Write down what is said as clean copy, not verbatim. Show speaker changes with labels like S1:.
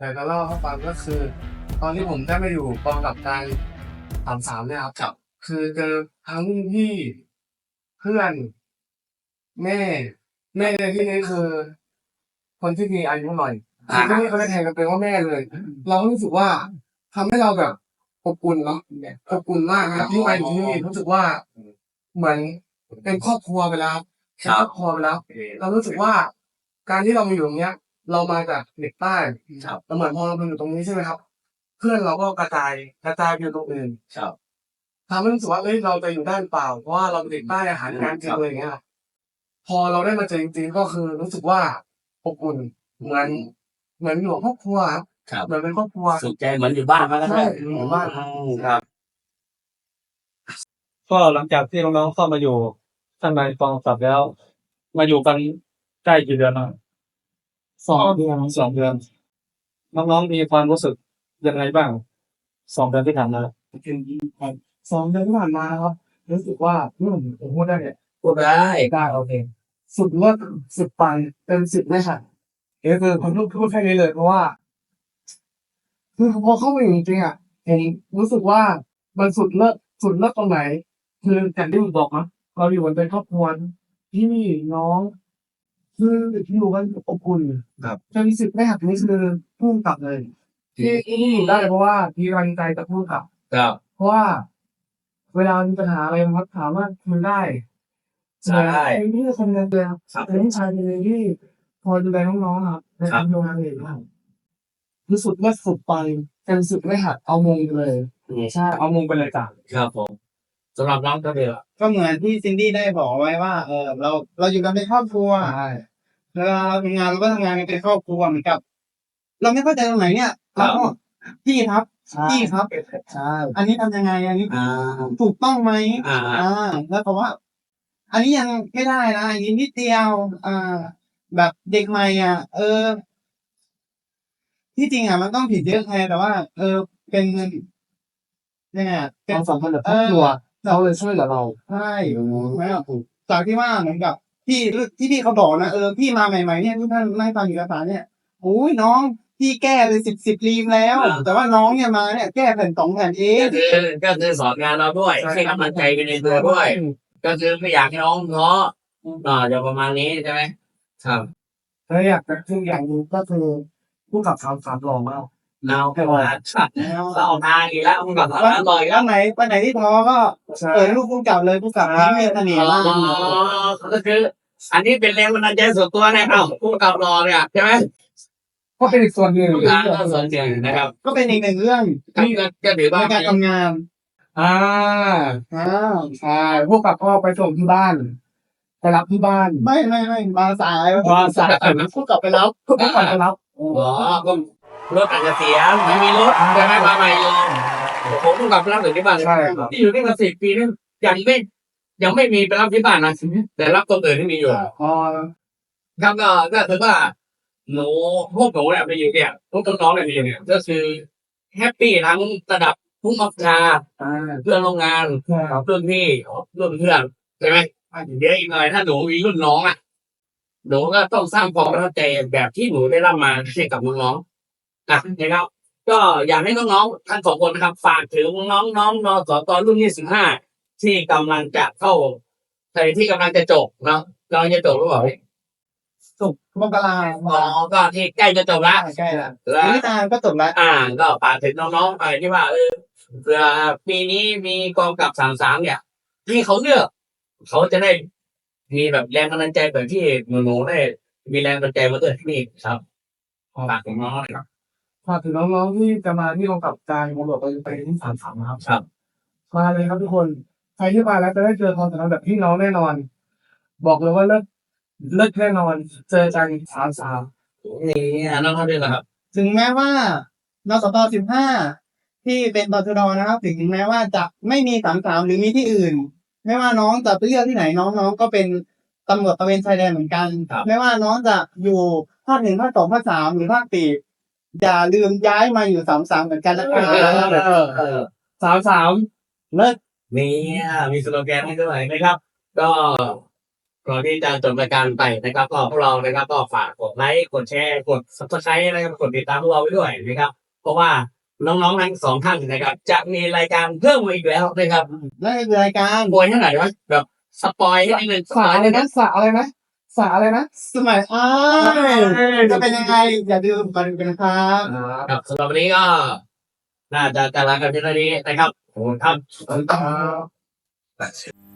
S1: แต่จะเล่าให้ฟังก็คือ ตอนที่ผมได้มาอยู่กองกับการ33เนี่ยครับ คือเจอทั้งรุ่นพี่เพื่อนแม่ในที่นี้คือ คนที่มีอายุหน่อยคือที่นี่เขาจะแทนกันเป็นว่าแม่เลย เรารู้สึกว่าทำให้เราแบบอบอุ่นเนาะอบอุ่นมากนะที่มาอยู่ที่นี่รู้สึกว่าเหมือนเป็นครอบครัวไปแล้วเป็นครอบครัวไปแล้ว เรารู้สึกว่าการที่เรามาอยู่ตรงเนี้ย เรามาจากเด็กใต้แล้วเหมือนพอเรามาอยู่ตรงนี้ใช่ไหมครับ เพื่อนเราก็กระจายไปอยู่ตรงอื่นทำให้รู้สึกว่าเอ้ยเราจะอยู่ได้หรือเปล่าเพราะว่าเราเป็นเด็กใต้อาหารการกินอะไรอย่างเงี้ยพอเราได้มาเจอจริงๆก็คือรู้สึกว่าอบอุ่นเหมือนอยู่กับครอบครัวครับเหมือนเป็นครอบครัว
S2: สุขใจเหมือนอยู่บ้านมาแล้ว
S1: ใช่เหมือนอยู่บ้าน
S2: ครับ
S3: ก็หลังจากที่น้องๆเข้ามาอยู่ข้างในกองสับแล้ว มาอยู่กันใกล้กี่เดือนแล้ว2 เดือนน้องๆมีความรู้สึกยังไงบ้าง2 เดือนที่ผ่านมา
S1: 2 เดือนที่ผ่านมาครับรู้สึกว่าผมพูดได้เนี่ย
S2: พูดได้โอเค
S1: สุดเลิศสุดปังเต็ม10ไม่ค่ะคือผมพูดแค่นี้เลยเพราะว่าคือพอเข้ามาอยู่จริงๆอ่ะผมรู้สึกว่ามันสุดเลิศตรงไหน คืออย่างที่ผมบอกนะเราอยู่กันเป็นครอบครัวพี่น้องคืออยู่กันอบอุ่น
S2: ครับ
S1: เต็ม10ไม่หักนี่คือพุ่งกลับเลยที่อยู่ได้เพราะว่ามีกำลังใจจากพุ่งกลับ
S2: ครับ
S1: เพราะว่าเวลามีปัญหาอะไรมันถามว่าคุยได้
S2: ใช่
S1: เป็นพี่คนหนึงเลยครับเป็นผู้ชายคนหนึงที่คอยดูแลน้องๆครับในการทำงานเองครับคือสุดไม่สุดไปเป็นสุดไม่หักเอามงไปเลยใช่เอามงไปเลยจ้ะ
S2: ครับผมสำหรับน้องก็เดียว
S4: ก็เหมือนที่ซินดี้ได้บอกไว้ว่าเราอยู่กันเป็นครอบครัว
S1: ใช่
S4: เวลาเราทำงานเราก็ทำงานกันเป็นครอบครัวเหมือนกับ เราไม่เข้าใจตรงไหนเนี่ยเราก็พี่ครับพี่ครับ
S1: ใช่
S4: อันนี้ทำยังไงอันนี้
S2: อ่า
S4: ถูกต้องไหม
S2: อ่า
S4: แล้วก็ว่า อันนี้ยังไม่ได้นะอันนี้นิดเดียวแบบเด็กใหม่ที่จริงมันต้องผิดเยอะไงแต่ว่า เป็นยังไง
S1: คาม
S4: เป็น
S1: สัมพันธ์แบบครอบครัวเขาเลยช่วยเหลือเรา
S4: ใช่ไม่หรอกจากที่ว่าเหมือนกับที่เขาบอกนะพี่มาใหม่ๆเนี่ยทุกท่านนั่งฟังอยู่ภาษาเนี่ยโอ้ยน้องพี่แก้ไปสิบรีมแล้ว แต่ว่าน้องเนี่ยมาเนี่ยแก้แผ่น2 แผ่นเอง
S2: ก็คือสอนงานเราด้วยให้กำลังใจกันในตัวด้วย ก็คือไม่อยากให้น้องท้อจะประมาณนี้ใช่ไหมครับ
S1: แล้วอยากจะคืออย่างหนึงก็คือผู้กับคำสามหล่อมาก
S2: เราแค่ว่าเราเอาทางอีกแล้วมึงกับเราต่อยแล้
S4: วัน
S2: ว
S4: ไหนที่ท้อก็
S1: ใช่
S4: เปิดรูปผู้กำกับเลยผู้กำกับนี้มีเสน่ห์มาก
S2: ก็คือ อันนี้เป็นแรงบันดาลใจส่วนตัวนะครับผู้กับรอเนี่ยใช่ไหม
S1: ก็เป็นอีกส่วนหนึ่ง
S2: ส่วนเสียงนะครับ
S4: ก็เป็นอีกหนึ่งเรื่อง
S2: ก็ถือ
S4: ใน
S2: ว่า
S4: การทำงาน
S1: อ่าใช่พวกกับพ่อไปส่งที่บ้านไปรับที่บ้าน
S4: ไม่มาสาย
S1: มาสาย
S4: ผู้กำกับไปแล้ว
S1: ผู้กับไปรับ
S2: อ๋อก็รถอาจจะเสียไม่มีรถจะให้มาใหม่เลยผมผู้กับรับถึงที่บ้าน
S1: ใช่ครับ
S2: ที่อยู่นี่มา10 ปีนี่ยังไม่มีไปรับที่บ้านนะแต่รับตัวอื่นที่มีอยู่
S1: อ๋อ
S2: ครับก็ถือว่าพวกหนูเนี่ยไปอยู่เนี่ยพวกน้องๆเนี่ยไปอยู่เนี่ยก็คือแฮปปี้ทั้งระดับผู้บังคับบัญชา เพื่อนโรงงาน
S1: ใช่ครับ
S2: รุ่นพี่รุ่นเพื่อนใช่ไหมเดี๋ยวอีกหน่อยถ้าหนูมีรุ่นน้องหนูก็ต้องสร้างความประทับใจแบบที่หนูได้รับมาให้กับน้องๆนะครับ ก็อยากให้น้องๆทั้ง2 คนนะครับฝากถึงน้องๆนสตรุ่น25ที่กำลังจะเข้าที่กำลังจะจบเนาะกำลังจะจบหรือเปล่า
S4: สุกมกรา
S2: ก็ที่ใกล้จะจบแล้ว
S4: ใกล้ละ
S2: แล้ว
S4: ไม่นานก็จบแล้ว
S2: ก็ฝากถึงน้องๆไปที่ว่าเผื่อปีนี้มีกองกับ33เนี่ย ที่เขาเลือกเขาจะได้มีแบบแรงกำลังใจแบบที่หนูได้มีแรงกำลังใจมาด้วยที่นี่ครับฝากถึงน้องๆหน่อยครับ
S1: ฝากถึงน้องๆที่จะมาที่กองกับการมรดกไปที่33นะครับ
S2: ครับ
S1: มาเลยครับทุกคนใครที่มาแล้วจะได้เจอความสัมพันธ์แบบพี่น้องแน่นอน บอกเลยว่าเลิศแน่นอนเจอกัน33
S2: นี่น้องๆด้วยนะครับ
S4: ถึงแม้ว่านสต15ที่เป็นตชดนะครับถึงแม้ว่าจะไม่มี33หรือมีที่อื่น ไม่ว่าน้องจะไปเลือกที่ไหนน้องๆก็เป็นตำรวจตระเวนชายแดนเหมือนกัน
S2: ครับ
S4: ไม่ว่าน้องจะอยู่ภาค 1 ภาค 2 ภาค 3หรือภาค 4อย่าลืมย้ายมาอยู่33เหมือนกันนะครับ
S1: 33
S4: เลิศ
S2: นี่มีสโลแกนให้ด้วยนะครับ ก็ก่อนที่จะจบรายการไปนะครับก็พวกเรานะครับก็ฝากกดไลค์กดแชร์กด subscribe นะครับกดติดตามพวกเราไว้ด้วยนะครับ เพราะว่าน้องๆทั้งสองท่านนะครับ จะมีรายการเพิ่มมาอีกแล้วนะครับ
S4: นั่นคือรายการ
S2: โวยเท่าไหร่วะแบบสปอยให้นิดนึง
S1: สาอะไรนะสาอะไรนะสาอะไรนะ
S4: สมัยจะเป็นยังไงอย่าลืมกันกันครับ
S2: ครับสำหรับวันนี้ก็น่าจะลากันเพียงเท่านี้นะครับขอบคุณครับ
S1: ครับ